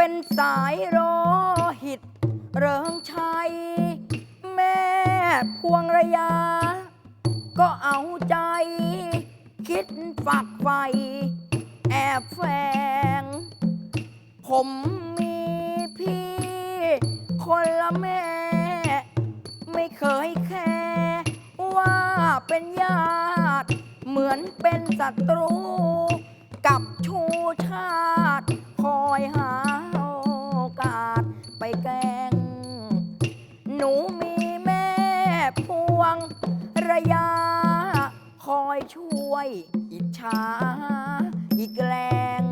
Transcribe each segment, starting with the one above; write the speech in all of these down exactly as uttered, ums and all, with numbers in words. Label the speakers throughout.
Speaker 1: เป็นสายโลหิตเริงชัยแม่พวงระยาก็เอาใจคิดฝักใฝ่แอบแฝงผมมีพี่คนละแม่ไม่เคยแค่ว่าเป็นญาติเหมือนเป็นศัตรูกับชูชาติคอยหาโอกาสไปแกล้งหนูมีแม่พวงระยาคอยช่วยอิจฉาอีกแรง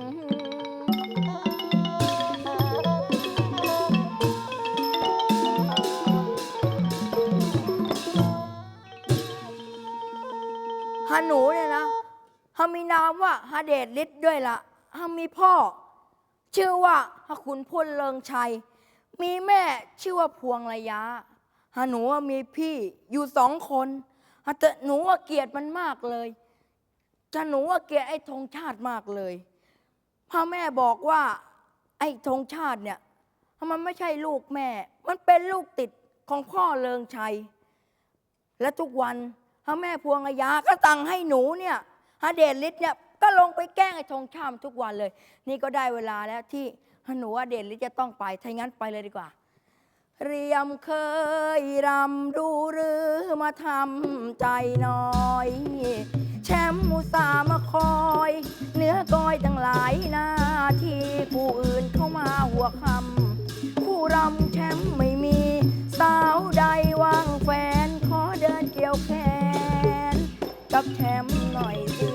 Speaker 1: ฮาหนูเนี่ยนะฮามีนามว่าฮาเดชฤทธิ์ด้วยละ่ะฮามีพ่อชื่อว่าฮาขุนพลเลิงชัยมีแม่ชื่อว่าพวงระยะฮาหนูมีพี่อยู่สองคนฮาแต่หนูว่าเกลียดมันมากเลยจะหนูว่าเกลียดไอ้ธงชาติมากเลยพ่อแม่บอกว่าไอ้ธงชาติเนี่ยมันไม่ใช่ลูกแม่มันเป็นลูกติดของพ่อเลิงชัยและทุกวันพระแม่พวงระยะก็สั่งให้หนูเนี่ยฮาเดชฤทธิ์เนี่ยก็ลงไปแกล้งไอ้ธงชาติทุกวันเลยนี่ก็ได้เวลาแล้วที่หนูฮาเดชฤทธิ์จะต้องไปถ้างั้นไปเลยดีกว่าเรียมเคยรำดูหรือมาทำใจน้อยแชมป์มุสามาคอยเนื้อกอยตั้งหลายหน้าที่ผู้อื่นเข้ามาหัวคำผู้รำแชมป์ไม่มีสาวใดว่างแฟนขอเดินเกี่ยวแขนกับแชมป์หน่อยสิ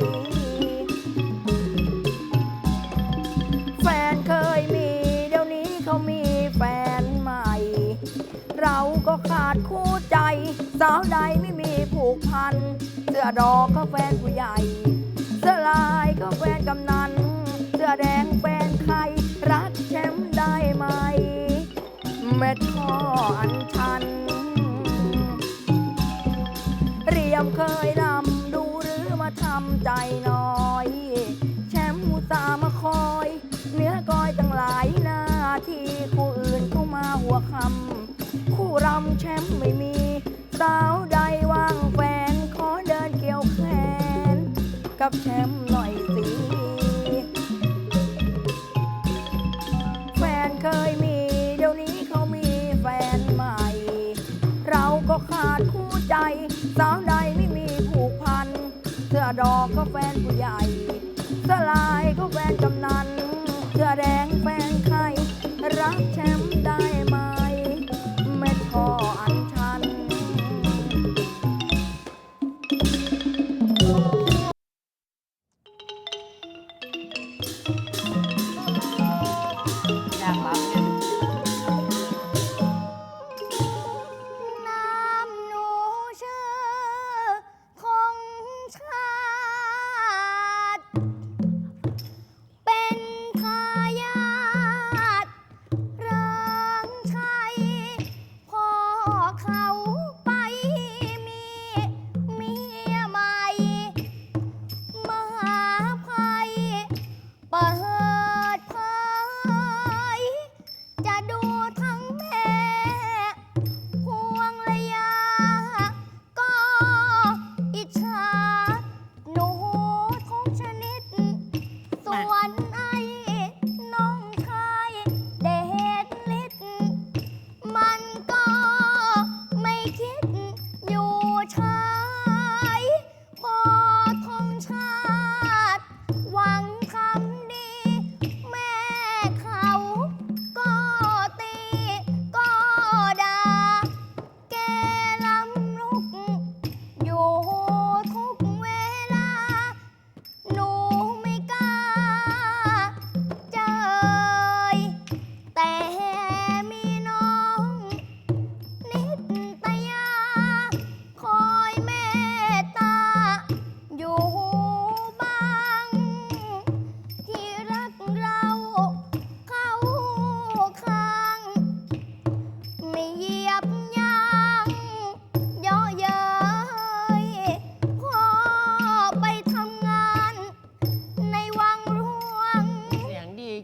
Speaker 1: แฟนเคยมีเดี๋ยวนี้เขามีแฟนใหม่เราก็ขาดคู่ใจสาวใดไม่มีผูกพันเสื้อดอกก็แฟนผู้ใหญ่เสื้อลายก็แฟนกำนันเสื้อแดงแฟนใครรักแชมป์ได้ไหมแม่ท่ออันชันเรียมเคยรำดูหรือมาทำใจน้อยแชมป์มุสามาคอยเนื้อกอยตั้งหลายหน้าที่คู่อื่นเข้ามาหัวคำคู่รำแชมป์ไม่มีสาวใดว่างแฟนขอเดินเกี่ยวแขนกับแชมป์หน่อยสิแฟนเคยมีเดี๋ยวนี้เขามีแฟนใหม่เราก็ขาดคู่ใจสาวใดไม่มีผูกพันเสื้อดอกก็แฟนผู้ใหญ่เสื้อลายก็แฟนกำนันเสื้อแดงแฟนใครรักแชมป์ได้ไหมแม่ท่ออันชันอยากรับเนี่ย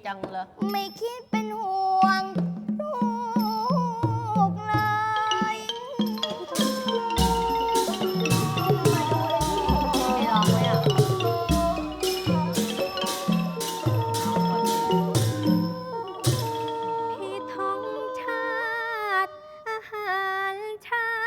Speaker 2: จังเลย
Speaker 3: ไม่คิดเป็นห่วงลูกเลย
Speaker 2: ไม่ลองไหมอ่ะ
Speaker 3: พี่ท้องชาติอาหารเช้า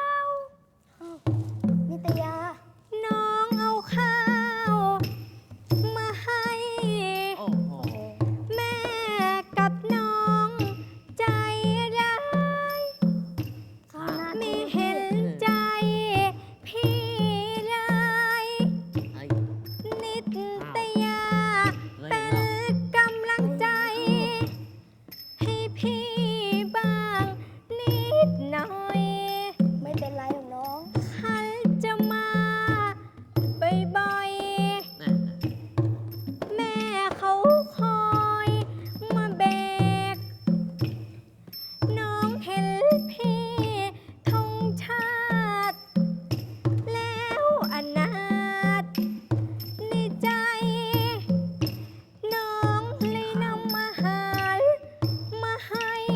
Speaker 3: นิตยา น้องเอาข้าวมาให้
Speaker 2: โอ้โห
Speaker 3: แม่กับน้องใจร้ายไม่เห็นใจพี่เลย
Speaker 2: ไอ้
Speaker 3: นิตยาเป็นกำลังใจ ให้พี่บ้างนิดหน่อย ไม่เป็นไรหรอกน้องฉันจะมาบ่อยๆ
Speaker 2: แน่
Speaker 3: แม่เขาคอยมาเบก น้องเห็นพี่ธงชาติ แล้วอนาถในใจ น้องเลยนำอาหารมาให้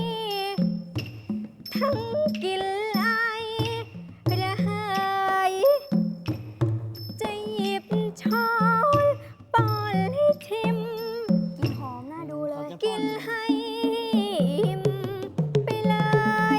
Speaker 3: ทั้งกินไอระหายจะหยิบช้อนป้อนให้ชิม กินหอมน่าดูเลย กินให้อิ่มไปเลย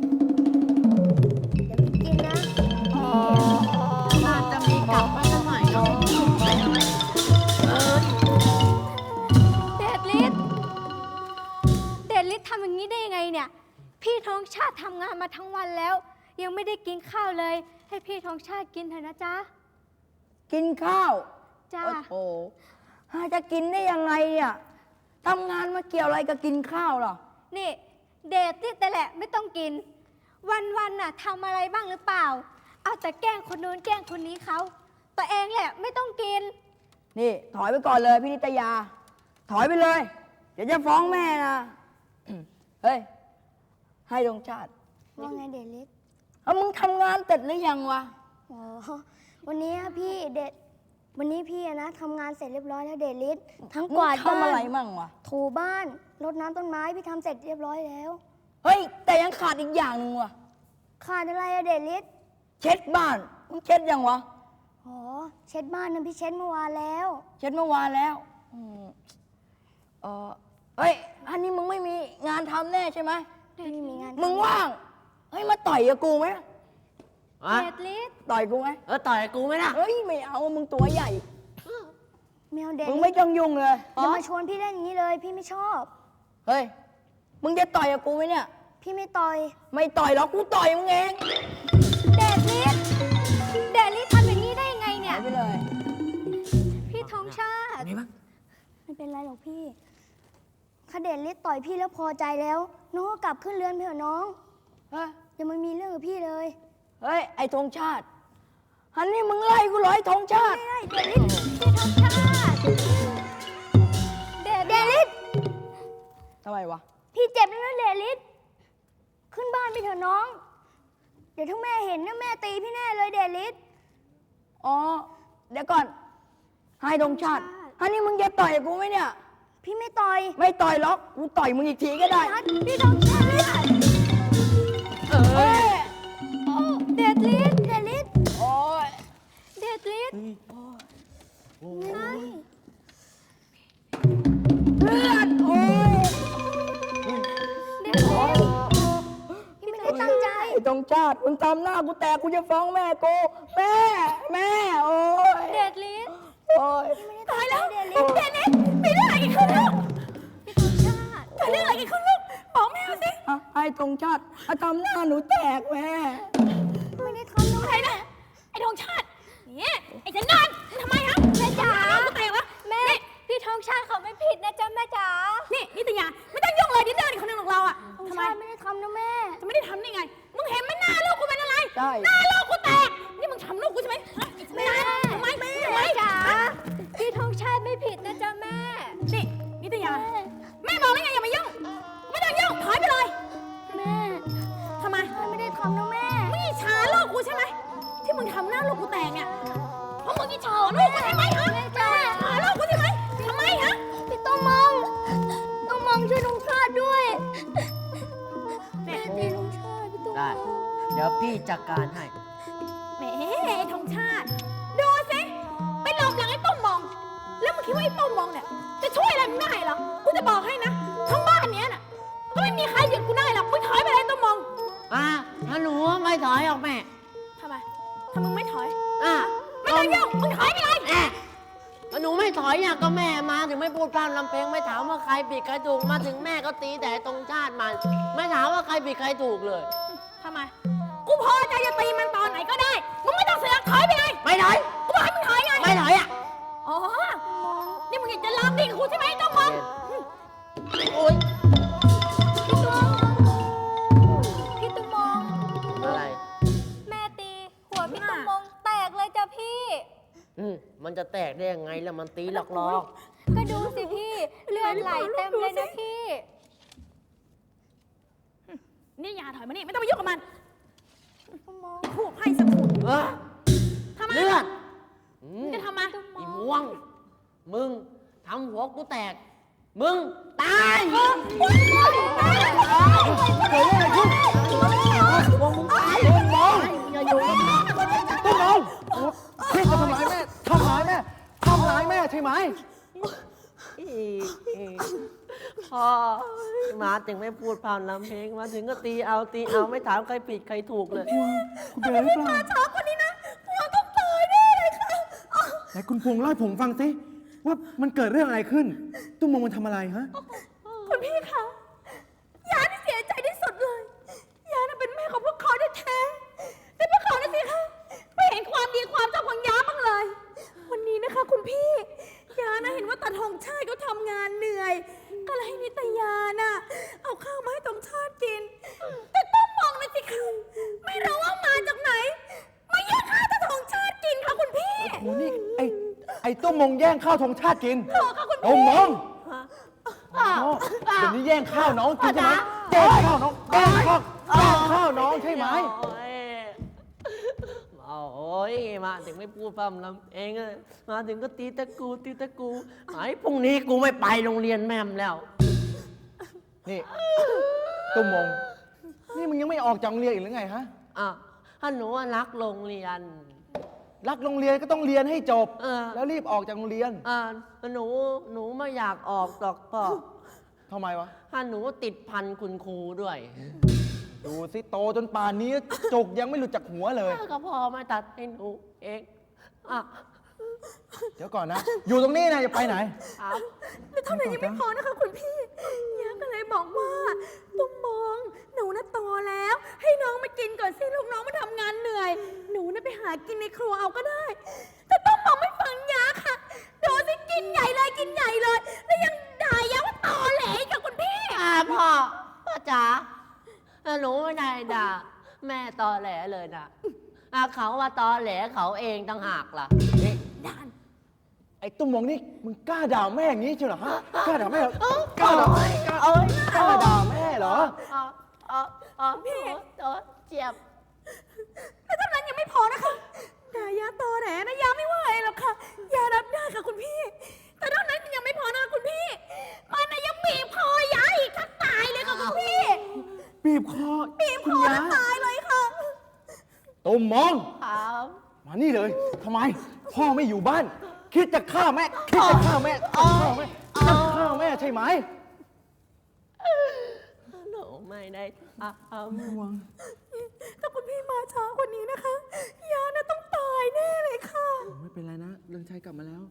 Speaker 3: อย่าไปกินนะ
Speaker 2: น่าจะมีกลับมาสักหน่อยเนาะเออ
Speaker 3: เดดลิศเดดลิศทำอย่างนี้ได้ยังไงเนี่ย พี่ท้องชาติทำงานมาทั้งวันแล้ว ยังไม่ได้กินข้าวเลย ให้พี่ท้องชาติกินเถอะนะจ๊ะ
Speaker 1: กินข้าว
Speaker 3: จ้า
Speaker 1: โอ้โหหาจะกินได้ยังไงเนี่ยทำงานมาเกี่ยวอะไรกับกินข้าวหรอ
Speaker 3: นี่เดทที่แต่แหละไม่ต้องกิน วันๆน่ะทำอะไรบ้างหรือเปล่า เอาแต่แกล้งคนนู้นแกล้งคนนี้เขาตัวเองแหละไม่ต้องกิน
Speaker 1: นี่ ถอยไปก่อนเลยพี่นิตยา ถอยไปเลย เดี๋ยวจะฟ้องแม่นะ เฮ้ย ให้ดวงชาติ
Speaker 4: ว่าไงเดลิส
Speaker 1: เอามึงทำงานเสร็จหรือยังวะ
Speaker 4: อ๋อ วันนี้พี่เดดวันนี้พี่อะนะทำงานเสร็จเรียบร้อยแล้วเดลิสทั้งกวาด
Speaker 1: มึงทำอะไร
Speaker 4: บ้าน
Speaker 1: มั่งวะ
Speaker 4: ถูบ้านรดน้ำต้นไม้พี่ทำเสร็จเรียบร้อยแล้ว
Speaker 1: เฮ้ย แต่ยังขาดอีกอย่างหนึ่งวะ
Speaker 4: ขาดอะไรอะเดลิส
Speaker 1: เช็ดบ้าน มึงเช็ดยังวะ
Speaker 4: อ๋อ เช็ดบ้านนะพี่เช็ดเมื่อวานแล้ว
Speaker 1: เช็ดเมื่อวานแล้วอืมเออเฮ้ย อันนี้มึงไม่มีงานทำแน่ใช่ไหม
Speaker 4: ไม่มีงาน
Speaker 1: มึงว่าง เฮ้ย มาต่อยกับกูไหม
Speaker 2: อะ
Speaker 3: เดทลิส
Speaker 1: ต่อยกูไหม
Speaker 2: เออต่อยกูไหมล่ะ
Speaker 1: เฮ้ย ไม่เอา มึงตัวใหญ่
Speaker 4: แมวเด
Speaker 1: มึง
Speaker 4: ลิ
Speaker 1: ไม่
Speaker 4: ส
Speaker 1: ต้องยุ่งเลย
Speaker 4: อย่ามาชวนพี่เล่นอย่างนี้เลย พี่ไม่ชอบ
Speaker 1: เฮ้ย มึงจะต่อยกับกูไหมเนี่ย
Speaker 4: พี่ไม่ต่อย
Speaker 1: ไม่ต่อยหรอก กูต่อยมึงเอง
Speaker 3: เดทลิสเดทลิสทำอย่างนี้ได้ยังไงเนี่
Speaker 1: หาย ยไปเลย
Speaker 3: พี่ท้องชาติ
Speaker 2: มีบ้าง
Speaker 4: ไม่เป็นไรหรอกพี่ถ้าเดลิสต่อยพี่แล้วพอใจแล้ว น้องก็กลับขึ้นเรือนไปเถอะน้อง
Speaker 1: เฮ้ย
Speaker 4: อย่ามามีเรื่องกับพี่เลย
Speaker 1: เฮ้ย ไอ้ธงชาติ อันนี้มึงไล่กูเหรอไอ้ธงชาติ
Speaker 4: ไม่ได้เดลิสพี่ท้องชาติ
Speaker 3: เดท
Speaker 4: เด
Speaker 3: ลิ
Speaker 4: ลิ
Speaker 3: ส
Speaker 4: ส
Speaker 1: ทำไมวะ
Speaker 4: พี่เจ็บแล้วนะเดลิสขึ้นบ้านไปเถอะน้อง เดี๋ยวถ้าแม่เห็นนะแม่ตีพี่แน่เลยเดลิส
Speaker 1: อ๋อ เดี๋ยวก่อน ให้ธงชาติ อันนี้มึงจะต่อยกับกูไหมเนี่ย
Speaker 4: พี่ไม่ต่อย
Speaker 1: ไม่ต่อยหรอก กูต่อยมึงอีกทีก็ได้
Speaker 4: นัดพี่ท้องชาติ
Speaker 2: เออ
Speaker 1: เฮ้ย
Speaker 3: เดทลิส
Speaker 4: เดลิส
Speaker 1: โอ้ย
Speaker 3: เดทลิส
Speaker 4: ใช่
Speaker 1: เลือด โอ้ย
Speaker 3: เดทลิส
Speaker 4: พี่ไม่ได้ตั้งใจ
Speaker 1: ไอ้ธงชาติ มึงทำหน้ากูแตก กูจะฟ้องแม่กู แม่ แม่ โอ้ย
Speaker 3: เดทลิส
Speaker 1: โอ้ย
Speaker 4: ตายแล้วเดลิส
Speaker 3: เดทลิสมีเรื่องอะไรกันขึ้นลูกพี่ท้องชาติเกิดเรื่องอะไรกันขึ้นลูกบอกแม่มาสิ
Speaker 1: อ่ะไอ้ธงชาติอ่ะทำหน้าหนูแตกแม่
Speaker 4: ไม่ได้ทำน้อง
Speaker 3: อะไรนะไอ้ทองชาติเนี่ยไอ้จันนานทำไมฮะแม่จ๋าแม่วะแม่พี่ทองชาติเขาไม่ผิดนะจ๊ะแม่จ๋านี่นิตยาไม่ต้องยุ่งเลยนิตยาคนหนึ่งของเราอะ
Speaker 4: ท้อง
Speaker 3: ทำไม
Speaker 4: ชาติไม่ได้ทำนะแม่
Speaker 3: จะไม่ได้ทำได้ไงมึงเห็นไหมหน้าลูกกูเป็นอะไร
Speaker 1: ใช่
Speaker 3: หน้าลูกกูแตกนี่มึงทำลูกกูใช่ไหมฮะไอ้จันนานทำไมแม่ทำไมจ๋าพี่ทองชาติไม่ผิดนะจ๊ะแม่นี่นิตยาแม่บอกแล้วไงอย่ามายุ่งไม่ต้องยุ่งถอยไปเลย
Speaker 4: แม่
Speaker 3: ทำไม
Speaker 4: ไม่ได้ทำนะแม่
Speaker 3: มึงอิจฉาลูกกูใช่ไหมที่มึงทำหน้าลูกกูแตกเนี่ยเพราะมึงอิจฉาลูกกูใช่ไหมฮะ
Speaker 4: แม่จ๋า
Speaker 3: อิจฉาลูกกูใช่ไหมทำไมฮะ
Speaker 4: พี่ต้องมอง
Speaker 5: พี่จัดการให้
Speaker 3: แหมไอ้ธงชาติ ดูสิ ไปหลบหลังไอ้ต้มมอง แล้วมึงคิดว่าไอ้ต้มมองเนี่ยจะช่วยอะไรมึงได้เหรอ กูจะบอกให้นะ ทั้งบ้านเนี้ยน่ะ ก็ไม่มีใครหยุดกูได้หรอก มึงถอยไปเลยต้มมอง
Speaker 5: อ่ะถ้าหนูไม่ถอยออกแม่
Speaker 3: ทำไมถ้ามึงไม่ถอย
Speaker 5: อ่ะ
Speaker 3: ไม่ต้องยุ่งมึงถอยไปเลย
Speaker 5: แอะถ้าหนูไม่ถอยเนี่ยก็แม่มาถึงไม่พูดพร่ำลำเพลงไม่ถามว่าใครผิดใครถูกมาถึงแม่ก็ตีแต่ตรงชาติมัน ไม่ถามว่าใครผิดใครถูกเลย
Speaker 3: ทำไม กูพอใจจะตีมันตอนไหนก็ได้ มึงไม่ต้องเสือกถอยไปเลย
Speaker 5: ไม่ถอย
Speaker 3: กูบอกให้มึงถอยไง
Speaker 5: ไม่ถอยอ่ะ
Speaker 3: อ๋อ นี่มึงอยากจะลามดีกับกูใช่ไหมต้มมอง
Speaker 5: โอ๊ย
Speaker 3: พี่ตุ้มพี่ตุ้มมอง
Speaker 5: อะไร
Speaker 3: แม่ตี หัวพี่ตุ้มมองแตกเลยจ้ะพี่
Speaker 5: อืมมันจะแตกได้ยังไงล่ะมันตีหลอกลอก
Speaker 3: ก็ดูสิพี่ เลือดไหลเต็มเลยนะพี่ นี่อย่าถอยมานี่ไม่ต้องไปยุ่งกับมันผูกให้สักขุน
Speaker 5: เออ
Speaker 3: ทำไม
Speaker 5: เลือดอืม
Speaker 3: จะทำไม
Speaker 5: อีม่วง มึงทำหัวกูแตก มึงตาย
Speaker 3: เกิดอะไรขึ้น
Speaker 5: วงมึงตายมองอย่าอยู่กับมัน
Speaker 6: ต้นน้องพี่จะทำร้ายแม่ ทำร้ายแม่ ทำร้ายแม่ใช่ไหม
Speaker 5: พ่อมาถึงไม่พูดผ่านลำเพลงมาถึงก็ตีเอาตีเอาไม่ถามใครผิดใครถูกเลย
Speaker 6: คุณเป็นอะไรหรือเปล่า
Speaker 3: ช้ากว่านี้นะพวงต้องตายแน่เลยค่ะ
Speaker 6: ไหนคุณพงษ์เล่าให้ผมฟังสิว่ามันเกิดเรื่องอะไรขึ้น ตุ้มมงมันทำอะไรฮะ
Speaker 3: คุณพี่คะยาที่เสียใจที่สุดเลยยาน่ะเป็นแม่ของพวกเขาแท้ๆแต่พวกเขาน่ะสิคะไม่เห็นความดีความชอบของยาบ้างเลย วันนี้นะคะคุณพี่ยาน่ะเห็นว่าตาทองชาติเขาทำงานเหนื่อย ก็เลยให้นิตยาน่ะเอาข้าวมาให้ตองชาติกิน แต่ต้องมองเลยสิคะไม่รู้ว่ามาจากไหน มาแย่งข้าวตาทองชาติกินค่ะคุณพี่
Speaker 6: โอ้นี่ไอ้ไอ้ตุ้มมงแย่งข้าวธงชาติกิน
Speaker 3: เออค่ะคุณพี่
Speaker 6: โอ้มองอ๋อเดี๋ยวนี้แย่งข้าวน้องกินใช่ไหมแย่งข้าวน้องแย่งข้าวแย่งข้าวน้องใช่ไหม
Speaker 5: โอ้ยโอ้ยมาถึงไม่พูดพร่ำลำเองอะมาถึงก็ตีตะกูตีตะกูไอ้พรุ่งนี้กูไม่ไปโรงเรียนแม่มแล้ว
Speaker 6: นี่ตุ้มมง นี่มึงยังไม่ออกจากโรงเรียนอีกหรือไงฮะ
Speaker 5: อ่ะถ้าหนูว่ารักโรงเรียน
Speaker 6: รักโรงเรียนก็ต้องเรียนให้จบ
Speaker 5: เออ
Speaker 6: แล้วรีบออกจากโรงเรียน
Speaker 5: อ่าหนูหนูไม่อยากออกหรอกพ่อ
Speaker 6: ทำไมวะ
Speaker 5: ถ้าหนูติดพันคุณครูด้วย
Speaker 6: ดูสิโตจนป่านนี้จกยังไม่หลุดจากหัวเลย
Speaker 5: ก็พ่อไม่ตัดให้หนูเองอ่ะ
Speaker 6: เดี๋ยวก่อนนะ อยู่ตรงนี้นะอย่าไปไหน
Speaker 5: ครับ
Speaker 3: แต่เท่านั้นยังไม่พอนะคะคุณพี่ยาก็เลยบอกว่าตุ้มมองหนูน่ะโตแล้ว ให้น้องมากินก่อนสิลูกน้องมาทำงานเหนื่อย หนูน่ะไปหากินในครัวเอาก็ได้ แต่ตุ้มมองไม่ฟังยาค่ะดูสิกินใหญ่เลยกินใหญ่เลย แล้วยังด่ายาว่าตอแหลอีกค่ะคุณพี่
Speaker 5: อ่าพ่อพ่อจ๋าถ้าหนูไม่ได้ด่าแม่ตอแหลเลยนะอ่ะเขาว่าตอแหลเขาเองต่างหากล่ะนี่
Speaker 3: ด่าน
Speaker 6: ไอ้ตุ้มมงนี่มึงกล้าด่าแม่อย่างนี้เชียวเหรอฮะ กล้าด่าแม่เหรอกล้าด่าแม่กล้า
Speaker 5: เอ้ย
Speaker 6: กล้าด่าแม่เหรอ
Speaker 5: อ๋ออ๋ออ๋อพี่เจ็บ
Speaker 3: แต่เท่านั้นยังไม่พอนะคะด่ายาตอแหลนะยาไม่ไหวหรอกค่ะยารับได้ค่ะคุณพี่ แต่เท่านั้นยังไม่พอนะคะคุณพี่ มันน่ะยังบีบคอยาอีกทั้งตายเลยค่ะคุณพี่
Speaker 6: บีบคอ
Speaker 3: บีบค
Speaker 6: คุณ
Speaker 3: อ
Speaker 6: ยา
Speaker 3: ทั้งตายเลยค่ะ
Speaker 6: ตุ้มมง
Speaker 5: ครับ
Speaker 6: มานี่เลยทำไม พ่อไม่อยู่บ้าน คิดจะฆ่าแม่ คิดจะฆ่าแม่จะฆ่าแม่จะฆ่าแม่ใช่ไหม
Speaker 5: หนูไม่ได้ทำ
Speaker 3: ถ้าคุณพี่มาช้ากว่านี้นะคะ ยาน่ะต้องตายแน่เลยค่ะ
Speaker 6: ไม่เป็นไรนะเรืองชัยกลับมาแล้ว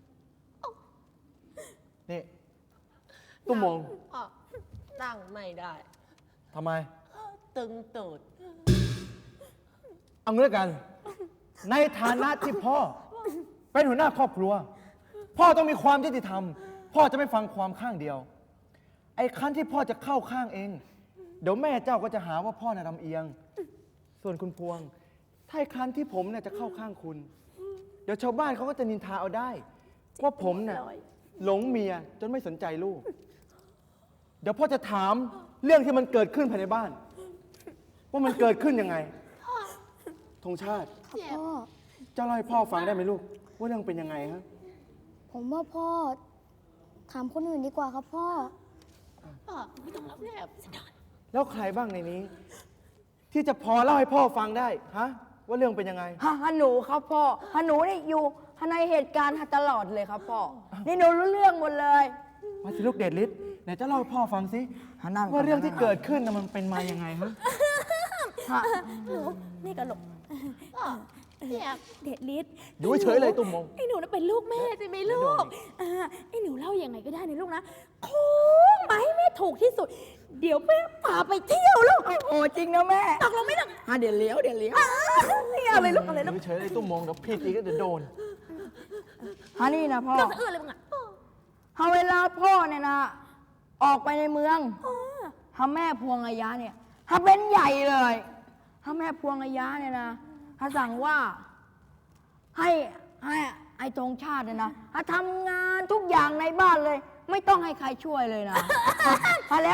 Speaker 6: นี่ ตุ้มมง
Speaker 5: พ่อนั่งไม่ได้
Speaker 6: ทำไม
Speaker 5: ตึงตูด
Speaker 6: เอางี้แล้วกัน ในฐานะที่พ่อ เป็นหัวหน้าครอบครัว พ่อต้องมีความยุติธรรม พ่อจะไม่ฟังความข้างเดียว ไอ้คันที่พ่อจะเข้าข้างเอง เดี๋ยวแม่เจ้าก็จะหาว่าพ่อน่ะลำเอียง ส่วนคุณพวง ถ้าไอ้คันที่ผมเนี่ยจะเข้าข้างคุณ เดี๋ยวชาวบ้านเขาก็จะนินทาเอาได้ ว่าผมเนี่ยหลงเมียจนไม่สนใจลูก เดี๋ยวพ่อจะถามเรื่องที่มันเกิดขึ้นภายในบ้าน ว่ามันเกิดขึ้นยังไงธงชาติ
Speaker 4: ค่ะพ่อ
Speaker 6: เจ้าเล่าให้พ่อฟังได้ไหมลูก ว่าเรื่องเป็นยังไงฮะ
Speaker 4: ผมว่าพ่อถามคนอื่นดีกว่าครับพ่อ
Speaker 5: พ่อไม่ต้องรับแนบ
Speaker 6: แล้วใครบ้างในนี้ที่จะพอเล่าให้พ่อฟังได้ฮะว่าเรื่องเป็นยังไง
Speaker 1: ฮะฮะหนูครับพ่อฮะหนูนี่อยู่ในเหตุการณ์ตลอดเลยครับพ่อ นี่หนูรู้เรื่องหมดเลย
Speaker 6: มาสิลูกเดชฤทธิ์ไหนจะเล่าให้พ่อฟังสิ
Speaker 1: ฮะนั่งก่อน
Speaker 6: ว่าเรื่องที่เกิดขึ้นน่ะมันเป็นมายังไงฮะ
Speaker 1: ฮะ
Speaker 3: หนูนี่ก็หลบ
Speaker 2: เนี่ย
Speaker 3: เดชฤทธิ์
Speaker 6: อยู่เฉยๆเลยตุ้มมง
Speaker 3: ไอ้หนูน่ะเป็นลูกแม่ใช่ไหมลูกอ่าไอ้หนูเล่ายังไงก็ได้นะลูกนะโค้งมาให้แม่ถูกที่สุด เดี๋ยวแม่พาไปเที่ยวลูก
Speaker 1: โอ้จริงนะแม่
Speaker 3: ตกลงไม่ตก
Speaker 1: ฮะเดี๋ยวเลี้ยวเดี๋ยวเลี้ยว
Speaker 3: ไม่เอาเลยลูกอะไร
Speaker 6: อ
Speaker 3: ลูก
Speaker 6: ยู่เฉยๆเลยตุ้มมงเดี๋ยวพี่ตีก็จะโดน
Speaker 1: ฮะนี่นะพ่อ
Speaker 3: เรื่องสะอื้นเลยมึงอ่ะ
Speaker 1: ฮะเวลาพ่อเนี่ยนะ ออกไปในเมืองฮะแม่พวงอายะเนี่ยฮะเป็นใหญ่เลยฮะแม่พวงอายะเนี่ยนะฮะสั่งว่า ให้ให้ไอ้ธงชาติเนี่ยนะฮะทำงานทุกอย่างในบ้านเลย ไม่ต้องให้ใครช่วยเลยนะฮะแล้ว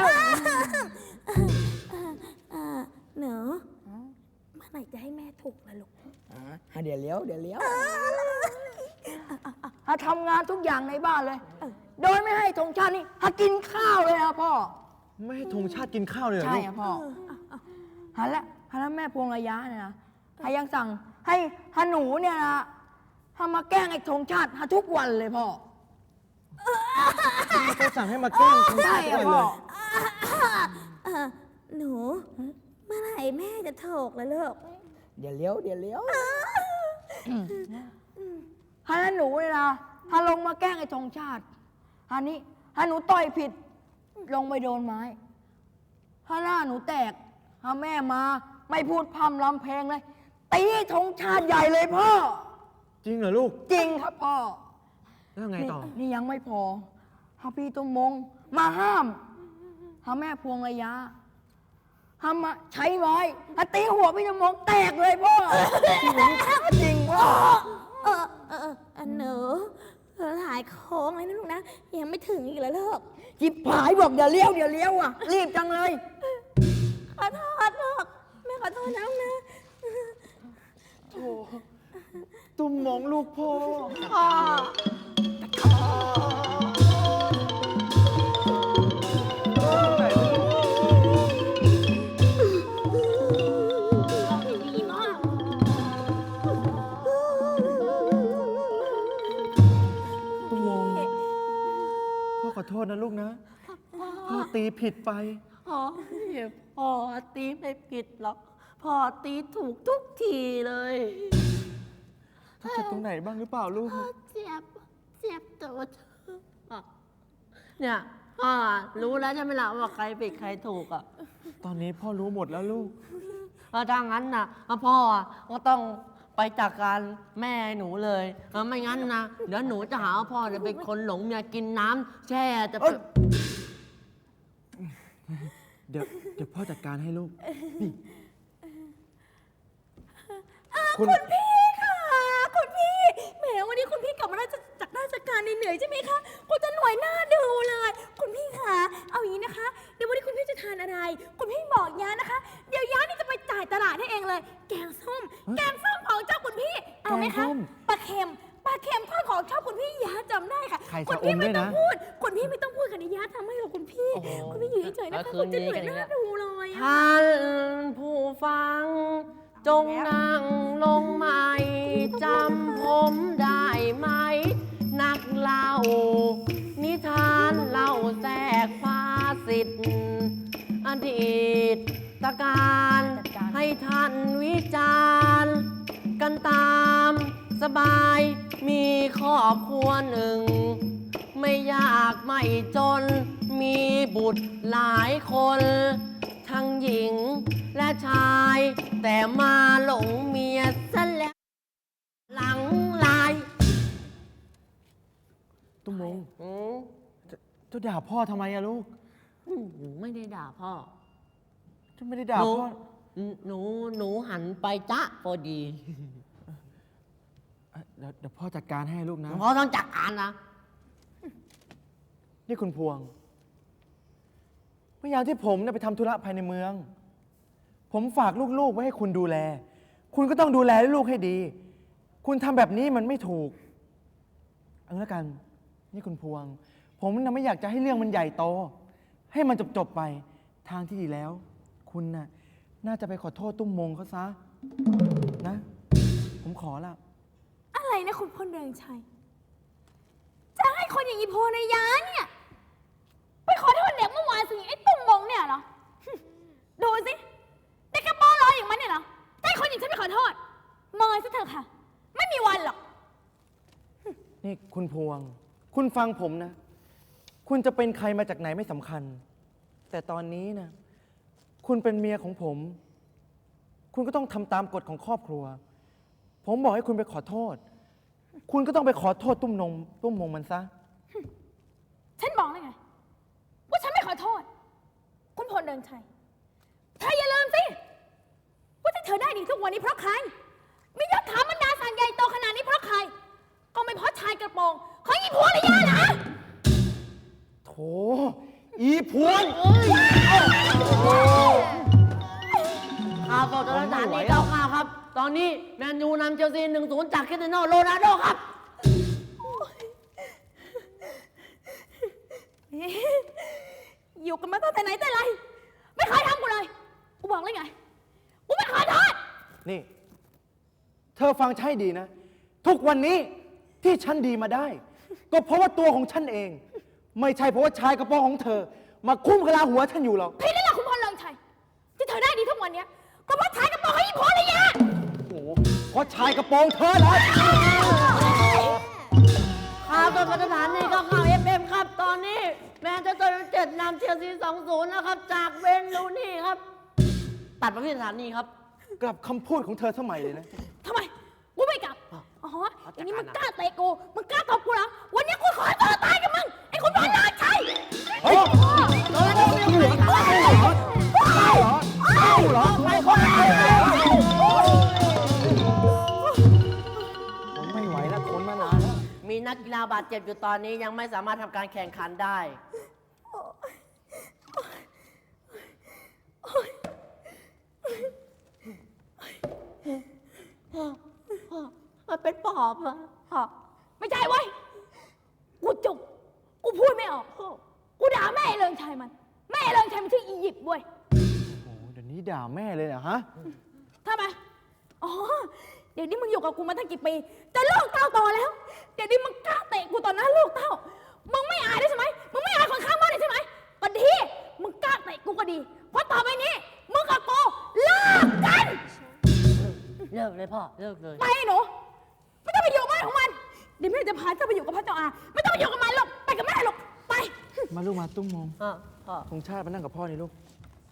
Speaker 3: อ่าหนูเมื่อไหร่จะให้แม่ถูกล่ะลูก
Speaker 1: ฮะเดี๋ยวเลี้ยวเดี๋ยวเลี้ยวฮะทำงานทุกอย่างในบ้านเลย โดยไม่ให้ธงชาตินี่ฮะกินข้าวเลยนะพ่อ
Speaker 6: ไม่ให้ธงชาติกินข้าวเลยเหรอ
Speaker 1: ใช่
Speaker 6: ลูก
Speaker 1: อะพ่อฮะแล้วฮะแล้วแม่พวงระยะเนี่ยนะฮะยังสั่งให้ฮะหนูเนี่ยนะฮะมาแกล้งไอ้ธงชาติฮะทุกวันเลยพ่อ
Speaker 6: เขาสั่งให้มาแกล้งธง
Speaker 1: ใช่
Speaker 6: ชาติ
Speaker 1: อะ
Speaker 6: ด้วยเล
Speaker 1: พ่อย
Speaker 3: เอ่อหนู เมื่อไหร่แม่จะถูกล่ะลูก
Speaker 1: เดี๋ยวเลี้ยวเดี๋ยวเลี้ยวฮะแล้วหนูเนี่ยนะฮะลงมาแกล้งไอ้ธงชาติฮะนี่ฮะหนูต่อยผิด ลงไปโดนไม้ฮะหน้าหนูแตกฮะแม่มา ไม่พูดพร่ำรำเพลงเลยตีธงชาติใหญ่เลยพ่อ
Speaker 6: จริงเหรอลูก
Speaker 1: จริงครับพ่อ
Speaker 6: แล้วไงต่อ
Speaker 1: นี่นี่ยังไม่พอฮาพี่ตุ้มมง มาห้ามฮาแม่พวงระยะฮามาใช้ไม้ฮาตีหัวพี่ตุ้มมงแตกเลยพ่อ จริงพ่อ
Speaker 3: เออเออเอออันหนูหลายโค้งเลยนะลูกนะ ยังไม่ถึงอีกแล้วลูก
Speaker 1: จิบผายบอกเดี๋ยวเลี้ยวเดี๋ยวเลี้ยวอ่ะ รีบจังเลย
Speaker 3: ขอโทษลูกแม่ขอโทษนะลูกนะ
Speaker 6: ตุ้มมองลูกพ่อ
Speaker 2: ดีมาก
Speaker 6: ตุ้มมองพ่อขอโทษนะลูกนะ พ่อตีผิดไป
Speaker 5: พ่อพ่อตีไม่ผิดหรอก พ่อตีถูกทุกทีเลย
Speaker 6: ต้องเจ็บตรงไหนบ้างหรือเปล่าลูก
Speaker 2: เจ็บ เจ็บตัวเธอ
Speaker 5: เนี่ยพ่อรู้แล้วใช่ไหมล่ะว่าใครผิดใครถูกอ่ะ
Speaker 6: ตอนนี้พ่อรู้หมดแล้วลูก
Speaker 5: เออถ้างั้นนะพ่อก็ต้องไปจัดการแม่หนูเลยเออไม่งั้นนะเดี๋ยวหนูจะหาว่าพ่อเนี่ยเป็นคนหลงเมียกินน้ำแช่จะ
Speaker 6: เอ้ย เดี๋ยวเดี๋ยวพ่อจัดการให้ลูกนี่คุณ
Speaker 3: พี่ค่ะคุณพี่แหมวันนี้คุณพี่กลับมาราชจากราชการเหนื่อยๆใช่ไหมคะคุณจะหน่วยหน้าดูเลย คุณพี่ค่ะเอาอย่างนี้นะคะ เดี๋ยววันนี้คุณพี่จะทานอะไร คุณพี่บอกย้านะคะ เดี๋ยวย้านี่จะไปจ่ายตลาดให้เองเลย แกงส้ม แกงส้มของเจ้าคุณพี่ เอาไหม
Speaker 6: แกงส้
Speaker 3: คะ
Speaker 6: ม
Speaker 3: ปลาเค็มปลาเค็มทอดของชอบคุณพี่ย้าจำได้ค่ะ
Speaker 6: ไข่
Speaker 3: คุณ
Speaker 6: ชะอ
Speaker 3: พี่
Speaker 6: ม
Speaker 3: ไม่
Speaker 6: ด้วย
Speaker 3: ต้อง
Speaker 6: นะ
Speaker 3: พูดคุณพี่ไม่ต้องพูดค่ะเดี๋ยวย้าทำให้หรอกคุณพี่
Speaker 5: โอ้โห
Speaker 3: คุณพี่อยู่เฉยๆนะคะ
Speaker 5: แล้วคื
Speaker 3: คุ
Speaker 5: น
Speaker 3: ณจะ
Speaker 5: นี้
Speaker 3: เหนื่อย
Speaker 5: กัน
Speaker 3: ห
Speaker 5: อีก
Speaker 3: น้า
Speaker 5: แล้ว
Speaker 3: ดูเลยอะ
Speaker 5: ท่านผู้ฟัง จงนั่งลงใหม่จำผมได้ไหม นักเล่า นิทานเล่าแทรกภาสิทธิ์อดีตตการให้ท่านวิจารณ์กันตามสบายมีครอบครัวหนึ่ง ไม่ยากไม่จนมีบุตรหลายคน ทั้งหญิงและชาย แต่มาหลงเมียซะแล้ว หลังลาย
Speaker 6: ตุ้มมง
Speaker 5: อืม
Speaker 6: เจ้าด่าพ่อทำไมอะลูก
Speaker 5: อืมไม่ได้ด่าพ่อ
Speaker 6: เจ้าไม่ได้ด่า
Speaker 5: หนู
Speaker 6: พ่อ
Speaker 5: หนูหนูหันไปจ๊ะพอดี
Speaker 6: เอ้ยเดี๋ยวเดี๋ยวพ่อจัดการให้ลูกนะ
Speaker 5: พ่อต้องจัดการนะ
Speaker 6: นี่คุณพวง เมื่อยามที่ผมเนี่ยไปทำธุระภายในเมือง ผมฝากลูกๆไว้ให้คุณดูแล คุณก็ต้องดูแลลูกให้ดี คุณทำแบบนี้มันไม่ถูกเอาละกัน นี่คุณพวง ผมน่ะไม่อยากจะให้เรื่องมันใหญ่โต ให้มันจบๆไป ทางที่ดีแล้ว คุณน่ะน่าจะไปขอโทษตุ้มมงเขาซะ นะ ผมขอละ
Speaker 3: อะไรนะคุณพลเรืองชัย จะให้คนอย่างอีโพนายาเนี่ย ไปขอโทษเด็กเมื่อวานสิไอ้ตุ้มมงเนี่ยเหรอ ดูสิเด็กกระโปรงลอยอย่างมันเนี่ยเหรอจะให้คนอย่างฉันไปขอโทษเมยซะเถอะค่ะ ไม่มีวันหรอก
Speaker 6: นี่คุณพวง คุณฟังผมนะ คุณจะเป็นใครมาจากไหนไม่สำคัญ แต่ตอนนี้นะ คุณเป็นเมียของผม คุณก็ต้องทำตามกฎของครอบครัว ผมบอกให้คุณไปขอโทษ คุณก็ต้องไปขอโทษตุ้มนงตุ้มมงมันซะ
Speaker 3: ฉันบอกเลยไง ว่าฉันไม่ขอโทษ คุณพลเรืองชัยเธออย่าลืมสิ ว่าที่เธอได้ดีทุกวันนี้เพราะใคร มียศถาบรรดาศักดิ์ใหญ่โตขนาดนี้เพราะใคร ก็ไม่เพราะชายกระโปรงของอีผัวระยะนะ
Speaker 6: โถ อีพวง
Speaker 5: ข่าวสดจากสถานีเก้าข่าวครับ ตอนนี้แมนยูนำเชลซีหนึ่งศูนย์จากคริสเตียโนโรนัลโดครับ
Speaker 3: อยู่กันมาตั้งแต่ไหนแต่ไร ไม่เคยทำกูเลย กูบอกเลยไง กูไม่เคยโทษ
Speaker 6: นี่ เธอฟังใช่ดีนะ ทุกวันนี้ที่ฉันดีมาได้ ก็เพราะว่าตัวของฉันเอง ไม่ใช่เพราะว่าชายกระโปรงของเธอ มาคุ้มกะลาหัวฉันอยู่หรอก
Speaker 3: พี่นี่แหละคุณพลเรืองชัย ที่เธอได้ดีทุกวันเนี้ยก็เพราะชายกระโปรงของอีผัวระยะ
Speaker 6: โอ้โหเพราะชายกระโปรงเธอเหรอ
Speaker 5: ข่าวสดจากสถานีเก้าข่าวเอฟเอ็มครับ ตอนนี้แมนเชสเตอร์ยูไนเต็ดนำเชลซีสองศูนย์นะครับ จากเวนลูนี่ครับ ตัดมาที่สถานีครับ
Speaker 6: กลับคำพูดของเธอสมัยเลยนะ
Speaker 3: ทำไม กูไม่กลับ อ๋ออย่างนี้มึงกล้าเตะกู มึงกล้าตบกูเหรอ วันนี้กูขอให้เธอตายกับมึง ไอ้คุณพลเรืองชัย
Speaker 6: เฮ้ยโดนแล้วไม่เหลือเหรอเหรอไม่คนไม่ไหวแล้วทนมานานแล้ว
Speaker 5: มีนักกีฬาบาดเจ็บอยู่ตอนนี้ยังไม่สามารถทำการแข่งขันได้ มันเป็นปอบอะ
Speaker 3: ไม่ใช่เว้ย กูจุก กูพูดไม่ออก กูด่าแม่ไอ้เรืองชัยมัน แม่ไอ้เรืองชัยมันชื่ออียิปต์เว้ย
Speaker 6: โอ้โหเดี๋ยวนี้ด่าแม่เลยเหรอฮะ
Speaker 3: ทำไม อ๋อ เดี๋ยวนี้มึงอยู่กับกูมาตั้งกี่ปี แต่ลูกเต้าโตแล้ว เดี๋ยวนี้มึงกล้าเตะกูตอนนั้นลูกเต้า มึงไม่อายได้ใช่ไหม มึงไม่อายคนข้างบ้านเลยใช่ไหมก็ดี มึงกล้าเตะกูก็ดี เพราะต่อไปนี้ มึงกับกูเลิกกัน
Speaker 5: เลิกเลยพ่อ เลิกเลย
Speaker 3: ไปหนู ไม่ต้องไปอยู่บ้านของมัน เดี๋ยวแม่จะพาเจ้าไปอยู่กับพระเจ้าอา ไม่ต้องไปอยู่กับมันหรอก ไปกับแม่หรอก ไป
Speaker 6: มาลูกมาตุ้มมอง
Speaker 5: พ่อ พ่อ
Speaker 6: ธงชาติมานั่งกับพ่อนี่ลูก